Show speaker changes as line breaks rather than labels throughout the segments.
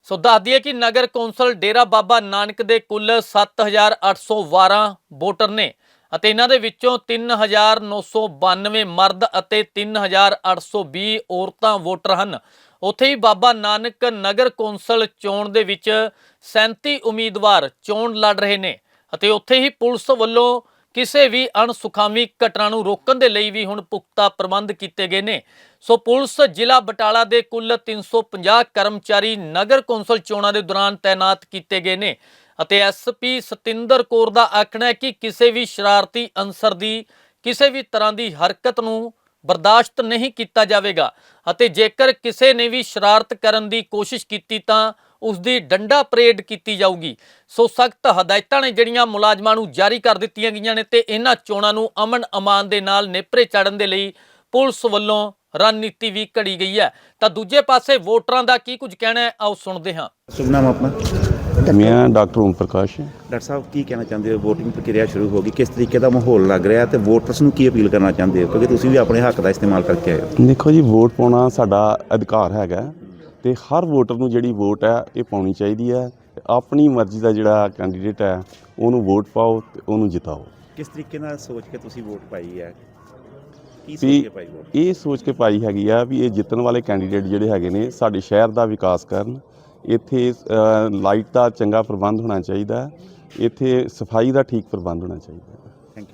ਸੋ ਦੱਸ ਦਈਏ ਕਿ ਨਗਰ ਕੌਂਸਲ ਡੇਰਾ ਬਾਬਾ ਨਾਨਕ ਦੇ ਕੁੱਲ 7812 ਵੋਟਰ ਨੇ ਅਤੇ ਇਹਨਾਂ ਦੇ ਵਿੱਚੋਂ 3992 ਮਰਦ ਅਤੇ 3820 ਔਰਤਾਂ ਵੋਟਰ ਹਨ। ਉੱਥੇ ਹੀ ਬਾਬਾ ਨਾਨਕ ਨਗਰ ਕੌਂਸਲ ਚੋਣ ਦੇ ਵਿੱਚ 37 ਉਮੀਦਵਾਰ ਚੋਣ ਲੜ ਰਹੇ ਨੇ ਅਤੇ ਉੱਥੇ ਹੀ ਪੁਲਿਸ ਵੱਲੋਂ ਕਿਸੇ ਵੀ ਅਣਸੁਖਾਵੀ ਘਟਨਾ ਨੂੰ ਰੋਕਣ ਦੇ ਲਈ ਵੀ ਹੁਣ ਪੁਖਤਾ ਪ੍ਰਬੰਧ ਕੀਤੇ ਗਏ ਨੇ। ਸੋ ਪੁਲਿਸ ਜ਼ਿਲ੍ਹਾ ਬਟਾਲਾ ਦੇ ਕੁੱਲ 350 ਕਰਮਚਾਰੀ ਨਗਰ ਕੌਂਸਲ ਚੋਣਾਂ ਦੇ ਦੌਰਾਨ ਤੈਨਾਤ ਕੀਤੇ ਗਏ ਨੇ ਅਤੇ ਐਸਪੀ ਸਤਿੰਦਰ ਕੌਰ ਦਾ ਆਖਣਾ ਹੈ ਕਿ ਕਿਸੇ ਵੀ ਸ਼ਰਾਰਤੀ ਅਨਸਰ ਦੀ ਕਿਸੇ ਵੀ ਤਰ੍ਹਾਂ ਦੀ ਹਰਕਤ ਨੂੰ ਬਰਦਾਸ਼ਤ ਨਹੀਂ ਕੀਤਾ ਜਾਵੇਗਾ ਅਤੇ ਜੇਕਰ ਕਿਸੇ ਨੇ ਵੀ ਸ਼ਰਾਰਤ ਕਰਨ ਦੀ ਕੋਸ਼ਿਸ਼ ਕੀਤੀ ਤਾਂ ਉਸ ਦੀ ਡੰਡਾ ਪਰੇਡ ਕੀਤੀ ਜਾਊਗੀ। ਸੋ ਸਖਤ ਹਦਾਇਤਾਂ ਨੇ ਜਿਹੜੀਆਂ ਮੁਲਾਜ਼ਮਾਂ ਨੂੰ ਜਾਰੀ ਕਰ ਦਿੱਤੀਆਂ ਗਈਆਂ ਨੇ ਤੇ ਇਹਨਾਂ ਚੋਣਾਂ ਨੂੰ ਅਮਨ ਅਮਾਨ ਦੇ ਨਾਲ ਨੇਪਰੇ ਚਾੜਨ ਦੇ ਲਈ ਪੁਲਿਸ ਵੱਲੋਂ ਰਣਨੀਤੀ ਵੀ ਘੜੀ ਗਈ ਹੈ। ਤਾਂ ਦੂਜੇ ਪਾਸੇ ਵੋਟਰਾਂ ਦਾ ਕੀ ਕੁਝ ਕਹਿਣਾ ਹੈ, ਆਓ ਸੁਣਦੇ ਹਾਂ।
शुभ नाम अपना?
मैं डॉक्टर ओम प्रकाश है।
डॉक्टर साहब की कहना चाहते हो, वोटिंग प्रक्रिया शुरू होगी, किस तरीके का माहौल लग रहा है तो वोटर्स ਨੂੰ ਕੀ ਅਪੀਲ ਕਰਨਾ ਚਾਹੁੰਦੇ ਹੋ ਕਿਉਂਕਿ ਤੁਸੀਂ ਵੀ ਆਪਣੇ ਹੱਕ ਦਾ ਇਸਤੇਮਾਲ ਕਰਕੇ ਆਏ ਹੋ?
ਦੇਖੋ ਜੀ, ਵੋਟ ਪਾਉਣਾ ਸਾਡਾ ਅਧਿਕਾਰ ਹੈਗਾ ਤੇ ਹਰ ਵੋਟਰ ਨੂੰ ਜਿਹੜੀ ਵੋਟ ਹੈ ਇਹ ਪਾਉਣੀ ਚਾਹੀਦੀ ਹੈ। ਆਪਣੀ ਮਰਜ਼ੀ ਦਾ ਜਿਹੜਾ ਕੈਂਡੀਡੇਟ ਹੈ ਉਹਨੂੰ ਵੋਟ ਪਾਓ ਤੇ ਉਹਨੂੰ ਜਿਤਾਓ।
ਕਿਸ ਤਰੀਕੇ ਨਾਲ ਸੋਚ ਕੇ ਤੁਸੀਂ ਵੋਟ ਪਾਈ ਹੈ? ਕੀ ਸੋਚ ਕੇ ਪਾਈ ਵੋਟ?
ਇਹ ਸੋਚ ਕੇ ਪਾਈ ਹੈਗੀ ਆ ਵੀ ਇਹ ਜਿੱਤਣ ਵਾਲੇ ਕੈਂਡੀਡੇਟ ਜਿਹੜੇ ਹੈਗੇ ਨੇ ਸਾਡੇ ਸ਼ਹਿਰ ਦਾ ਵਿਕਾਸ ਕਰਨ। ਇੱਥੇ ਲਾਈਟ ਦਾ ਚੰਗਾ ਪ੍ਰਬੰਧ ਹੋਣਾ ਚਾਹੀਦਾ, ਇੱਥੇ ਸਫਾਈ ਦਾ ਠੀਕ ਪ੍ਰਬੰਧ ਹੋਣਾ ਚਾਹੀਦਾ।
ਥੈਂਕ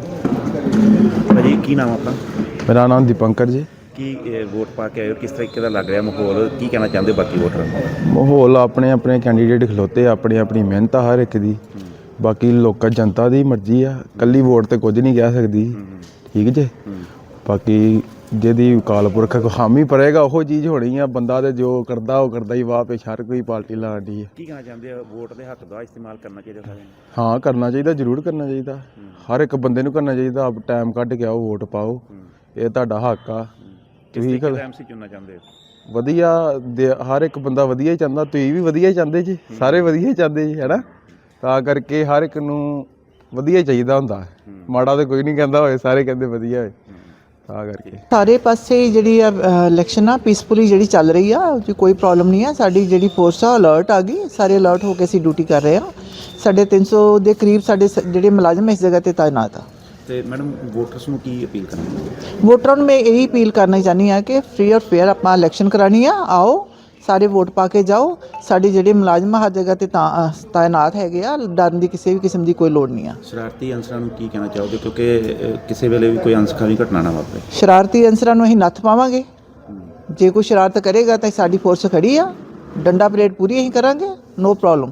ਯੂ ਭਾਜੀ। ਕੀ ਨਾਮ ਆਪਣਾ?
ਮੇਰਾ ਨਾਮ ਦੀਪੰਕਰ ਜੀ।
ਕੀ ਵੋਟ ਪਾ ਕੇ ਆਏ ਹੋ, ਕਿਸ ਤਰੀਕੇ ਦਾ ਲੱਗ ਰਿਹਾ ਮਾਹੌਲ, ਕੀ ਕਹਿਣਾ ਚਾਹੁੰਦੇ ਹੋ ਬਾਕੀ ਵੋਟਰਾਂ ਨੂੰ?
ਮਾਹੌਲ ਆਪਣੇ ਆਪਣੇ ਕੈਂਡੀਡੇਟ ਖਲੋਤੇ, ਆਪਣੀ ਆਪਣੀ ਮਿਹਨਤ ਆ ਹਰ ਇੱਕ ਦੀ। ਬਾਕੀ ਲੋਕਾਂ ਜਨਤਾ ਦੀ ਮਰਜ਼ੀ ਆ, ਇਕੱਲੀ ਵੋਟ ਤੇ ਕੁਝ ਨਹੀਂ ਕਹਿ ਸਕਦੀ, ਠੀਕ ਜੇ। ਬਾਕੀ ਜਿਹਦੀ ਅਕਾਲ ਪੁਰਖ ਹਾਮੀ ਭਰੇਗਾ ਉਹ ਚੀਜ਼ ਹੋਣੀ ਆ। ਬੰਦਾ ਤੇ ਜੋ ਕਰਦਾ ਉਹ ਕਰਦਾ ਹੀ, ਵਾਹ ਪੇਸ਼ ਹਰ ਕੋਈ ਪਾਰਟੀ ਲਾਉਂਦੀ ਹੈ।
ਕੀ ਕਹਿਣਾ ਚਾਹੁੰਦੇ ਹੋ, ਵੋਟ ਦੇ ਹੱਕ ਦਾ ਇਸਤੇਮਾਲ ਕਰਨਾ ਚਾਹੀਦਾ ਸਾਰਿਆਂ ਨੂੰ?
ਹਾਂ, ਕਰਨਾ ਚਾਹੀਦਾ, ਜ਼ਰੂਰ ਕਰਨਾ ਚਾਹੀਦਾ। ਹਰ ਇੱਕ ਬੰਦੇ ਨੂੰ ਕਰਨਾ ਚਾਹੀਦਾ। ਆਪ ਟਾਈਮ ਕੱਢ ਕੇ ਆਓ, ਵੋਟ ਪਾਓ, ਇਹ ਤੁਹਾਡਾ ਹੱਕ ਆ। ਤੁਸੀਂ
ਐਮਸੀ ਚੁਣਨਾ ਚਾਹੁੰਦੇ ਹੋ?
ਵਧੀਆ, ਹਰ ਇੱਕ ਬੰਦਾ ਵਧੀਆ ਹੀ ਚਾਹੁੰਦਾ, ਤੁਸੀਂ ਵੀ ਵਧੀਆ ਹੀ ਚਾਹੁੰਦੇ ਜੀ, ਸਾਰੇ ਵਧੀਆ ਹੀ ਚਾਹੁੰਦੇ ਜੀ, ਹੈ ਨਾ। ਤਾਂ ਕਰਕੇ ਹਰ ਇੱਕ ਨੂੰ ਵਧੀਆ ਚਾਹੀਦਾ ਹੁੰਦਾ, ਮਾੜਾ ਤਾਂ ਕੋਈ ਨਹੀਂ ਕਹਿੰਦਾ ਹੋਏ, ਸਾਰੇ ਕਹਿੰਦੇ ਵਧੀਆ ਹੋਏ। ਤਾਂ ਕਰਕੇ
ਸਾਰੇ ਪਾਸੇ ਜਿਹੜੀ ਇਲੈਕਸ਼ਨ ਆ ਪੀਸਫੁਲੀ ਜਿਹੜੀ ਚੱਲ ਰਹੀ ਆ, ਉਹ 'ਚ ਕੋਈ ਪ੍ਰੋਬਲਮ ਨਹੀਂ ਆ। ਸਾਡੀ ਜਿਹੜੀ ਫੋਰਸ ਆ ਅਲਰਟ ਆ ਗਈ, ਸਾਰੇ ਅਲਰਟ ਹੋ ਕੇ ਅਸੀਂ ਡਿਊਟੀ ਕਰ ਰਹੇ ਹਾਂ। ਸਾਡੇ 300 ਦੇ ਕਰੀਬ ਸਾਡੇ ਜਿਹੜੇ ਮੁਲਾਜ਼ਮ ਇਸ ਜਗ੍ਹਾ ਤੇ ਤਾਇਨਾਤ ਆ।
ਤੇ ਮੈਡਮ ਵੋਟਰਸ ਨੂੰ ਕੀ ਅਪੀਲ ਕਰਨੀ?
ਵੋਟਰਾਂ ਨੂੰ ਮੈਂ ਇਹੀ ਅਪੀਲ ਕਰਨਾ ਚਾਹੁੰਦੀ ਹਾਂ ਕਿ ਫ੍ਰੀ ਔਰ ਫੇਅਰ ਆਪਾਂ ਇਲੈਕਸ਼ਨ ਕਰਾਉਣੀ ਆ। ਆਓ ਸਾਰੇ ਵੋਟ ਪਾ ਕੇ ਜਾਓ। ਸਾਡੇ ਜਿਹੜੇ ਮੁਲਾਜ਼ਮ ਹਰ ਜਗ੍ਹਾ ਤੇ ਤਾਇਨਾਤ ਹੈਗੇ ਆ, ਡਰਨ ਦੀ ਕਿਸੇ ਵੀ ਕਿਸਮ ਦੀ ਕੋਈ ਲੋੜ ਨਹੀਂ ਆ।
ਸ਼ਰਾਰਤੀ ਅਨਸਰਾਂ ਨੂੰ ਕੀ ਕਹਿਣਾ ਚਾਹੋਗੇ ਕਿਉਂਕਿ ਕਿਸੇ ਵੇਲੇ ਵੀ ਕੋਈ ਅਣਸੁਖਾਵੀ ਘਟਨਾ ਨਾ ਵਾਪਰੇ?
ਸ਼ਰਾਰਤੀ ਅਨਸਰਾਂ ਨੂੰ ਅਸੀਂ ਨੱਥ ਪਾਵਾਂਗੇ। ਜੇ ਕੋਈ ਸ਼ਰਾਰਤ ਕਰੇਗਾ ਤਾਂ ਸਾਡੀ ਫੋਰਸ ਖੜੀ ਆ, ਡੰਡਾ ਪਰੇਡ ਪੂਰੀ ਅਸੀਂ ਕਰਾਂਗੇ, ਨੋ ਪ੍ਰੋਬਲਮ।